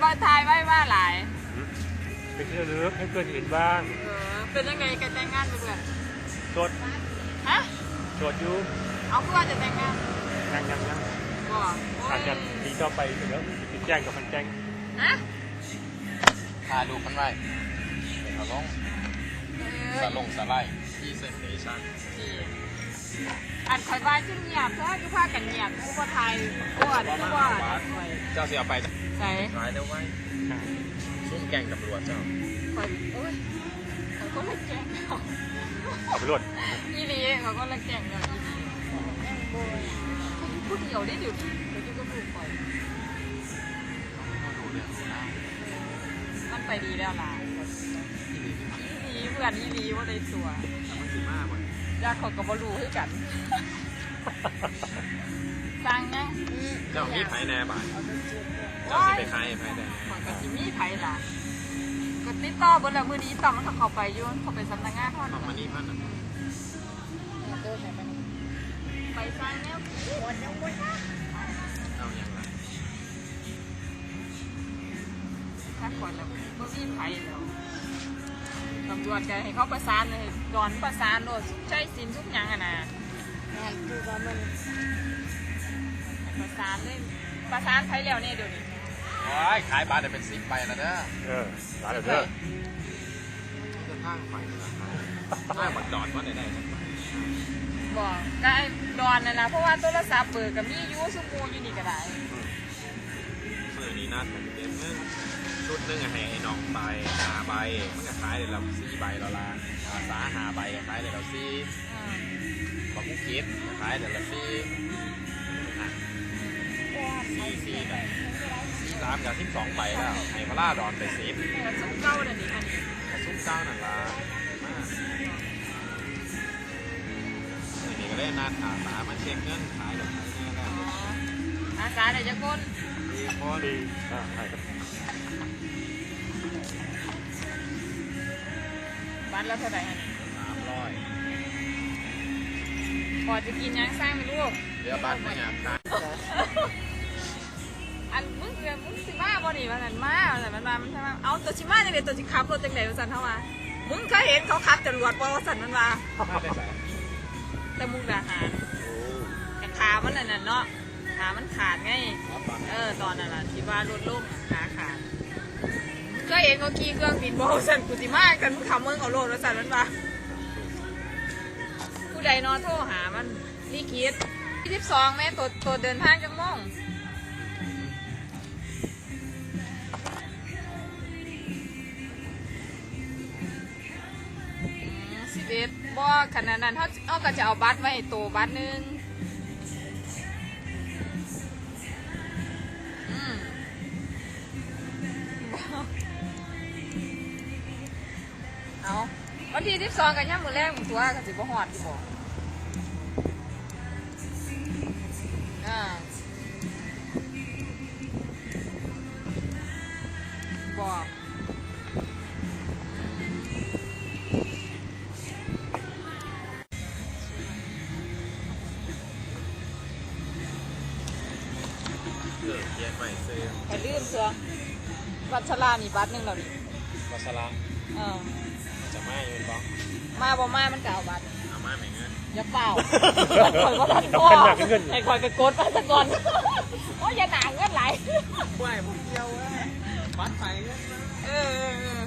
ถ่ายไว้ว่าหลายเป็นที่ระลึกให้เพื่อนเห็นบ้างเป็นยังไงกันแต่งงานเพื่อนโสดฮะโสดอยู่เอาเพื่อนจะแต่งงานยังบ่อาจจะมีต่อไปเดี๋ยวติดแจ้งกับมันแจ้งฮะพาดูกันไว้เขาลงสลงสไลด์ที่เซนเนชั่นอันคอยบ้านขึ้นเงียบเพราะว่าคือพากันเงียบผู้คนไทยอ้วนทุกวันเจ้าเสียไปใส่ขายได้ไว้ซุ่มแก่งตำรวจเจ้าคอยโอ้ยเขาก็เลยแจ้งเขาตำรวจอีลีเขาก็เลยแจ้งเราอีลีพูดเดียวได้เดี๋ยวนี้เดี๋ยวก็พูดคอยดูเรื่องของเรามันไปดีแล้วล่ะอีลีเพื่อนอีลีว่าได้ตัวมันสิมากกว่าอยากเขาก็บรู้ให้กันสั่งนะเจ้ามีไผ่แน่บ่ายเจ้าว้าสิยไปขายไผ่แน่มันก็สิมีไผล่ะก็ติดต่อบนแล้วมือนี้ต่อมันก็เข้าไปอยู่เข้าไปสำนักงานทอดของมันนี่พันไปสร้างแนววนยังวนนะเอาอย่างไรถ้าก่อนแล้วบ่มีไผแล้วตำรวจก็ให้เขาประสานเลยดอนประสานโลดใช้สินทุกอย่างอะนะงานคือว่ามันประสานเลยประสานไผแล้วเนี่ยเดี๋ยวนี้โอ้ยขายบาทได้เป็น10ใบแล้วเด้อร้านเด้อจะทางไฟนะถ้าบัดดอดว่าได้สักใบบอกก็ไอ้ดอนนั่นแหละเพราะว่าโทรศัพท์เปิดกับมีอยูซุมูอยู่นี่ก็ได้มือนี้นัดกันเต็มนึงชุดนึงให้ไอ้น้องไป5ใบมันก็ขายได้แล้ว4ใบแล้วล่ะสา5ใบขายได้แล้ว4 ของผู้คิดขายเดือนละ4แบบ4 3กับ12ใบแล้วไอ้พระราดอนไป10 กระซุกเก้าเดี๋ยวนี้ค่ะนี่กระซุ้มเก้านั่นละมากนี่ก็ได้นัดอาสามาเช็คเงินขายเดี๋ยวขายแน่แล้วอาสาเดี๋ยวจะก้นดีพอดีใช่ครับบัตรแล้วเท่าไหร่ฮะนี่ 300 พอจะกินยังสร้างไม่รู้เดี๋ยวบัตรไม่อยากขายอันมึงสิมาบ่นี่มันมามันมามันใช่ไหมเอาตัวชิมาจังเลยตัวชิขับรถจังเลยว่าสันเท่ามามึงเคยเห็นเขาขับจรวดบ่ว่าสันมันมามาได้ใส่แต่มุกดาหารแต่ขามันนั่นน่ะเนาะขามันขาดไงรับบัตรตอนนั้นล่ะที่ว่ารถล่มขาขาดเคยเห็นเขาขี่เครื่องบินบ่ว่าสันกูสิมากันมึงขับมึงเอารถว่าสันมันมาผู้ใดนอนโทรหามันนี่คิด22แม่ตัวเดินทางจังม่อง11บ่ขนาดนั้นเขาก็จะเอาบัตรไว้ให้โตบัตรหนึงเอาวันที่12กันย่ำมือแรกมึงตัวกันสิบ่ฮอดที่บ่บอกเขียนไว้ซื้อไปลืมเสือวัชรานี่บัตรหนึงแล้วนี่วัสระเออจะมาอยู่บ้างมาบ่มามันก็เอาบัตรเอามาไหมเงินอย่าเปล่าข่อยว่าทันพ่อให้ข่อยไปกดมาซะก่อนโอ้ยอย่าหนาเงินไหลไหวผมเดียวบัตรไฟเงินเออ